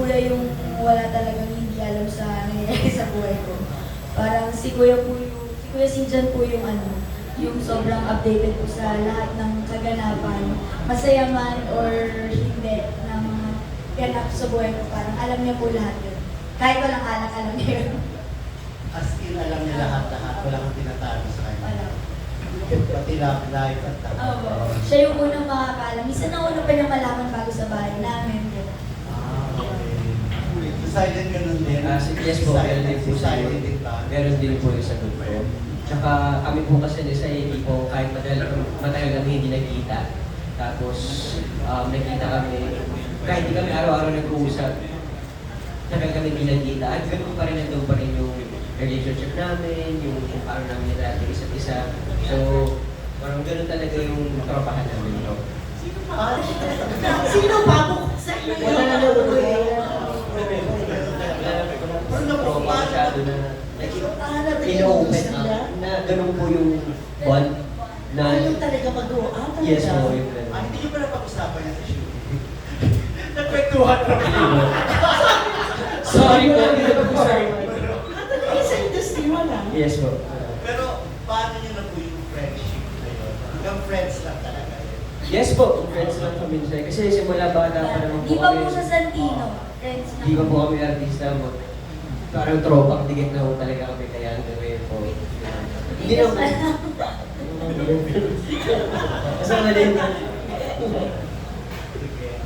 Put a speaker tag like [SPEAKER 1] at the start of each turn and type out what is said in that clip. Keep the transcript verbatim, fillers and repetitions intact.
[SPEAKER 1] kuya yung wala talagang hindi alam sa nangyayari sa buhay ko. Parang si kuya po yung, si kuya Sinjan po yung ano, yung sobrang updated po sa lahat ng kaganapan, masaya man or hindi, na mga ganap sa buhay ko. Parang alam niya po lahat yun. Kahit walang alak, alam niya yun.
[SPEAKER 2] As in, alam niya lahat-lahat. Wala kang tinatago sa kanya.
[SPEAKER 1] Wala.
[SPEAKER 2] Pati love life at
[SPEAKER 1] Oo. Siya yung unang makakaalam. Isa na una pa niya malaman bago sa bahay namin.
[SPEAKER 2] Ah, okay. So, silent ka nun din?
[SPEAKER 3] Ah, si yes po, meron din po
[SPEAKER 2] Si
[SPEAKER 3] sa
[SPEAKER 2] silent din ba?
[SPEAKER 3] meron din po yung sagot ko. Tsaka kami po kasi sa hindi po kahit matagal, matagal kami hindi nagkita. Tapos um, nagkita kami, kahit hindi kami araw-araw nag-uusap, tagal kami hindi nagkita. At ganun pa rin nandun pa rin yung relationship namin, yung kung paano namin nilalating isa't isa. So, parang ganun talaga yung tropahan namin. No?
[SPEAKER 2] Sino pa?
[SPEAKER 4] Sino pa? Buksan na
[SPEAKER 3] Wala na
[SPEAKER 4] yun.
[SPEAKER 3] lang. Wala na tropa masyado na ino-open up na ganun po yung bond na
[SPEAKER 4] Ayaw talaga mag-uwa. talaga.
[SPEAKER 3] yes po yung ganun.
[SPEAKER 2] Ah, hindi niyo pa napag-usapan yan sa show. Nagkwentuhan kami.
[SPEAKER 3] Sorry po, hindi na po sorry.
[SPEAKER 4] Ah, talaga sa industry wala.
[SPEAKER 3] Yes po.
[SPEAKER 2] Pero, paano niyo na po yung friendship na yun? Hanggang friends lang talaga yun.
[SPEAKER 3] Yes po, friends lang kami siya. Kasi simula bata pa naman po
[SPEAKER 1] Di pa
[SPEAKER 3] kami.
[SPEAKER 1] po sa Santino. Friends na.
[SPEAKER 3] Di pa po kami artista mo. Parang tropang digit na po talaga kami kaya hanggang ngayon po. Hindi na po. Kasama din.